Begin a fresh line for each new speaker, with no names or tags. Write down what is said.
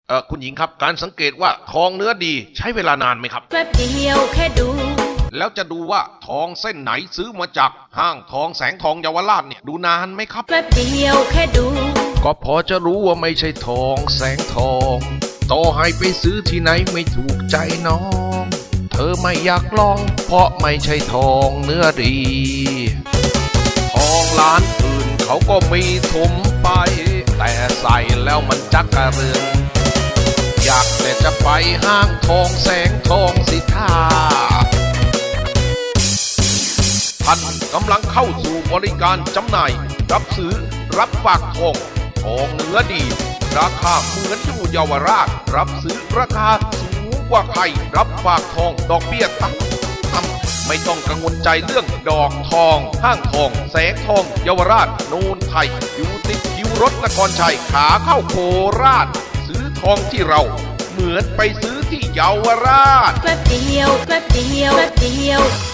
คุณหญิงครับการสังเกตว่าทองเนื้อดีใช้เวลานานไหมครับ
แป๊บเดียวแค่ดู
แล้วจะดูว่าทองเส้นไหนซื้อมาจากห้างทองแสงทองเยาวราชเนี่ยดูนานไหมครับ
แป๊บเดียวแค่ดู
ก็พอจะรู้ว่าไม่ใช่ทองแสงทองต่อให้ไปซื้อที่ไหนไม่ถูกใจน้องเธอไม่อยากลองเพราะไม่ใช่ทองเนื้อดีทองร้านอื่นเขาก็มีถมไปแต่ใส่แล้วมันจักกระเรือนอยากแต่จะไปห้างทองแสงทองสิท่าท่านกำลังเข้าสู่บริการจำหน่ายรับซื้อรับฝากทองทองเนื้อดีราคาเหมือนอยู่เยาวราชรับซื้อราคาสูงกว่าใครรับฝากทองดอกเบี้ยต่ำไม่ต้องกังวลใจเรื่องดอกทองห้างทองแสงทองเยาวราชโนนไทยอยู่ติดคิวรถนครชัยขาเข้าโคราชซื้อทองที่เราเหมือนไปซื้อที่เยาวราช
แป๊บเดียวแป๊บเดียวแป๊บเดียว